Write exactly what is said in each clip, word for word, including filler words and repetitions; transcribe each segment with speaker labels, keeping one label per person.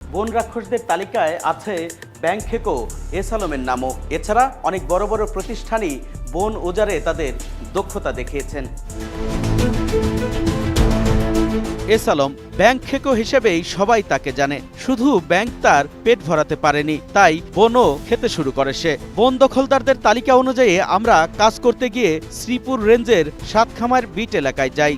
Speaker 1: বন রাক্ষসদের তালিকায় আছে ব্যাংখেকো এস আলমের নামও। এছাড়া অনেক বড় বড় প্রতিষ্ঠানই বন উজাড়ে তাদের দক্ষতা দেখিয়েছেন। এস আলম ব্যাংখেকো হিসেবেই সবাই তাকে জানে। শুধু ব্যাংক তার পেট ভরাতে পারেনি, তাই বনও খেতে শুরু করে সে। বন দখলদারদের তালিকা অনুযায়ী আমরা কাজ করতে গিয়ে শ্রীপুর রেঞ্জের সাতখামার বিট এলাকায় যাই।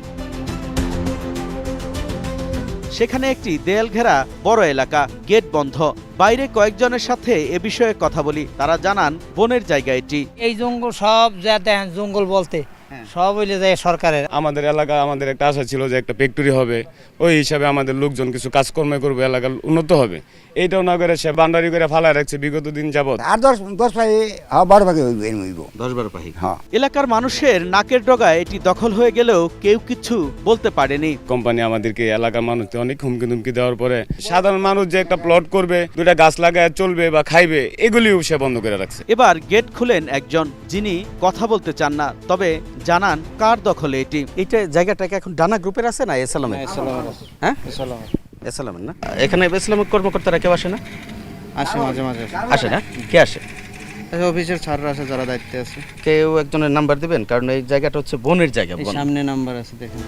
Speaker 1: সেখানে একটি দেয়াল ঘেরা বড় এলাকা, গেট বন্ধ। বাইরে কয়েকজনের সাথে এ বিষয়ে কথা বলি, তারা জানান বনের জায়গা এটি।
Speaker 2: এই জঙ্গল সব যা দেখেন জঙ্গল বলতে সব হইলে যায় সরকারের।
Speaker 3: আমাদের এলাকা আমাদের একটা আশা ছিল যে একটা ফ্যাক্টরি হবে, ওই হিসাবে আমাদের লোকজন কিছু কাজকর্ম করবে, এলাকার উন্নত হবে। এইটাও না করে সে বান্ডারি করে ফালায় রাখছে বিগত দিন যাবত।
Speaker 4: আর দশ দশ পাই বারো ভাগে হইব
Speaker 1: দশ বারো পাহি।
Speaker 4: হ্যাঁ,
Speaker 1: এলাকার মানুষের নাকের ডগায় এটি দখল হয়ে গেলেও কেউ কিছু বলতে পারেনি।
Speaker 3: কোম্পানি আমাদেরকে এলাকার মানুষকে অনেক হুমকি ধুমকি দেওয়ার পরে সাধারণ মানুষ যে একটা প্লট করবে, দুটা গাছ লাগায় চলবে বা খাইবে, এগুলিও সে বন্ধ করে রাখছে।
Speaker 1: এবার গেট খুলেন একজন, যিনি কথা বলতে চান না, তবে জানান কার দখলে এটি। এইটা জায়গাটাকে এখন ডানা গ্রুপের আছে না এস আলমের? হ্যাঁ, এস আলমের না? এখানে এস আলমের কর্মকর্তারা কেউ আসে না?
Speaker 5: আসে মাঝে মাঝে
Speaker 1: আসে না? কে আসে?
Speaker 5: অফিসের ছাড়রা আছে যারা দায়িত্বে আছে।
Speaker 1: কেউ একজনের নাম্বার দিবেন, কারণ এই জায়গাটা হচ্ছে বনের জায়গা।
Speaker 5: এই সামনে নাম্বার আছে দেখেন।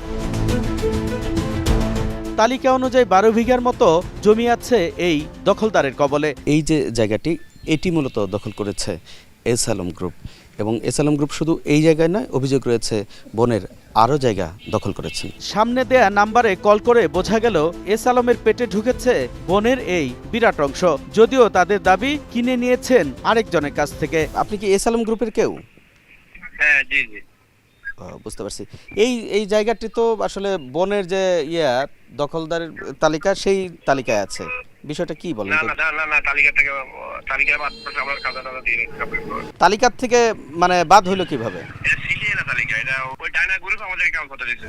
Speaker 1: তালিকা অনুযায়ী বারো বিঘার মতো জমি আছে এই দখলদারের কবলে। এই যে জায়গাটি, এটি মূলত দখল করেছে এস আলম গ্রুপ, এবং এস আলম গ্রুপ শুধু এই জায়গায় নয়, অভিযোগ রয়েছে বনের আরও জায়গা দখল করেছেন। সামনে দেয়া নাম্বারে কল করে বোঝা গেল এস আলমের পেটে ঢুকেছে বনের এই বিরাট অংশ, যদিও তাদের দাবি কিনে নিয়েছেন আরেকজনের কাছ থেকে। আপনি কি এস আলম গ্রুপের কেউ?
Speaker 6: হ্যাঁ, জি জি
Speaker 1: বুঝতে পারছি। এই এই জায়গাটি তো আসলে বনের যে ইয়া দখলদারের তালিকা, সেই তালিকায় আছে। বিষয়টা কি বলেন?
Speaker 6: না না না না তালিকা থেকে তালিকা বাদ করে আমরা খাজা দাদা দিয়ে রেখে
Speaker 1: তালিকার থেকে মানে বাদ হলো কিভাবে?
Speaker 6: এটা সিলিয়ে না তালিকা, এটা ওই ডায়না গ্রুপ আমাদের কাম করতে দিয়েছে।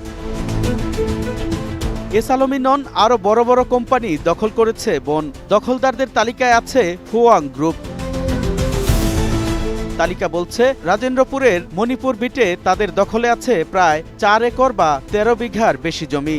Speaker 1: এস আলমই নন, আরো বড় বড় কোম্পানি দখল করেছে বন। দখলদারদের তালিকায় আছে ফুয়াং গ্রুপ। তালিকা বলছে রাজেন্দ্রপুরের মণিপুর বিটে তাদের দখলে আছে প্রায় চার একর বা তেরো বিঘার বেশি জমি।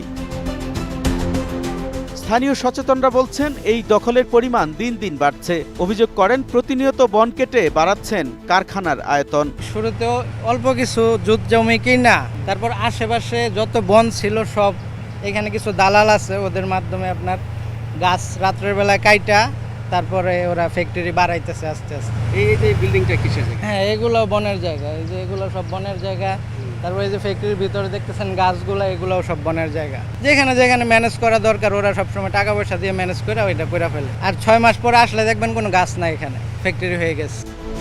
Speaker 1: স্থানীয় সচেতনরা বলছেন এই দখলের পরিমাণ দিন দিন বাড়ছে। অভিযোগ করেন প্রতিনিয়ত বন কেটে বাড়াচ্ছেন কারখানার আয়তন।
Speaker 2: শুরুতেও অল্প কিছু জুত জমি কিনা, তারপর আশেপাশে যত বন ছিল সব, এখানে কিছু দালাল আছে, ওদের মাধ্যমে আপনার গাছ রাত্রের বেলায় কাইটা তারপরে ওরা ফ্যাক্টরি বাড়াইতেছে আস্তে আস্তে।
Speaker 1: এই যে বিল্ডিংটা কিসের জায়গা?
Speaker 2: হ্যাঁ, এগুলো বনের জায়গা, এই যে এগুলো সব বনের জায়গা। তারপরে এই যে ফ্যাক্টরির ভিতরে দেখতেছেন গাছগুলো, এগুলোও সব বনের জায়গা। যেখানে যেখানে ম্যানেজ করা দরকার ওরা সবসময় টাকা পয়সা দিয়ে ম্যানেজ করে ওইটা করে ফেলে। আর ছয় মাস পরে আসলে দেখবেন কোনো গাছ নাই, এখানে ফ্যাক্টরি হয়ে গেছে।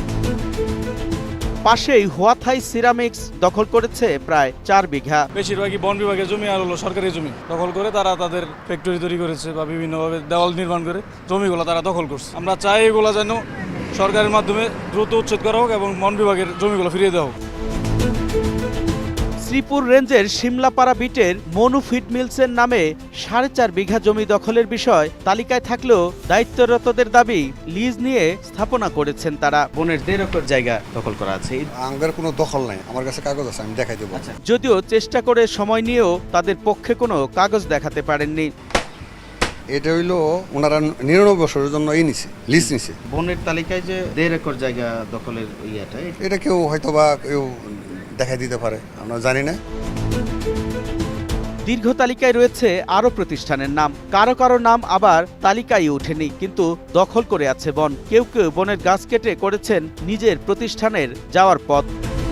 Speaker 1: পাশেই হুয়াথাই সিরামিক্স দখল করেছে প্রায় চার বিঘা।
Speaker 7: বেশিরভাগই বন বিভাগের জমি আর হলো সরকারি জমি দখল করে তারা তাদের ফ্যাক্টরি তৈরি করেছে বা বিভিন্নভাবে দেওয়াল নির্মাণ করে জমিগুলো তারা দখল করছে। আমরা চাই এগুলো যেন সরকারের মাধ্যমে দ্রুত উচ্ছেদ করা হোক এবং বন বিভাগের জমিগুলো ফিরিয়ে দেওয়া হোক।
Speaker 1: শ্রীপুর রেঞ্জের শিমলাপাড়া বিটের মনু ফিড মিলসের নামে সাড়ে চার বিঘা জমি দখলের বিষয় তালিকায় থাকলেও দায়িত্বরতদের দাবি লিজ নিয়ে স্থাপনা করেছেন তারা। বনের দেড় একর জায়গা দখল করা আছে।
Speaker 8: আমার কোনো দখল নাই, আমার কাছে কাগজ আছে, আমি দেখাই দেবো।
Speaker 1: যদিও চেষ্টা করে সময় নিয়েও তাদের পক্ষে কোনো কাগজ দেখাতে পারেননি।
Speaker 8: এটা হইলো ওনারা নিরানব্বই বছরের জন্য এই নিছে, লিজ নিছে।
Speaker 1: বনের তালিকায় যে দেড় একর জায়গা দখলের ইয়েটা,
Speaker 8: এটা কেউ হয়তো বা কেউ দেখাই দিতে পারে, আমরা জানি না।
Speaker 1: দীর্ঘ তালিকায় রয়েছে আরো প্রতিষ্ঠানের নাম, কারো কারো নাম আবার তালিকায় ওঠেনি, কিন্তু দখল করে আছে বন। কেউ কেউ বনের গাছ কেটে করেছেন নিজের প্রতিষ্ঠানের যাওয়ার পথ।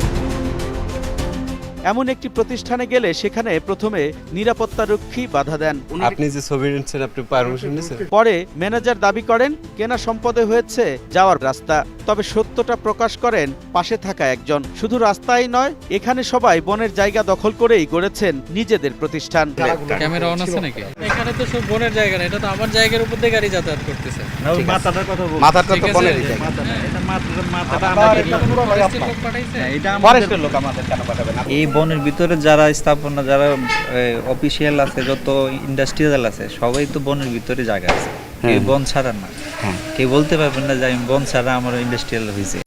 Speaker 1: এমন একটি প্রতিষ্ঠানে গেলে সেখানে প্রথমে নিরাপত্তারক্ষী বাধা দেন।
Speaker 9: আপনি যে ছবি নিচ্ছেন, আপনি পারমিশন নিয়েছেন?
Speaker 1: পরে ম্যানেজার দাবি করেন কেনা সম্পদে হয়েছে যাওয়ার রাস্তা। তবে সত্যটা প্রকাশ করেন পাশে থাকা একজন। শুধু রাস্তাই নয়, এখানে সবাই বনের জায়গা দখল করেই গড়েছেন নিজেদের প্রতিষ্ঠান।
Speaker 10: ক্যামেরা অন আছে নাকি? এখানে তো সব বনের জায়গা না, এটা তো আমার জায়গার উপর দিয়ে গাড়ি যাতায়াত করতেছে।
Speaker 1: মাথাটার কথা বল, মাথাটা তো বনের জায়গা। এটা মাথাটা আমাদের লোক পাঠাইছে, এটা ফরেস্টের লোক আমাদের কেন পাঠাবে না?
Speaker 11: এই বনের ভিতরে যারা স্থাপনা, যারা অফিসিয়াল আছে, যত ইন্ডাস্ট্রিয়াল আছে, সবাই তো বনের ভিতরে জায়গা আছে। কেউ বন ছাড়া না, কেউ বলতে পারবেন না যে আমি বন ছাড়া আমার ইন্ডাস্ট্রিয়াল হয়েছে।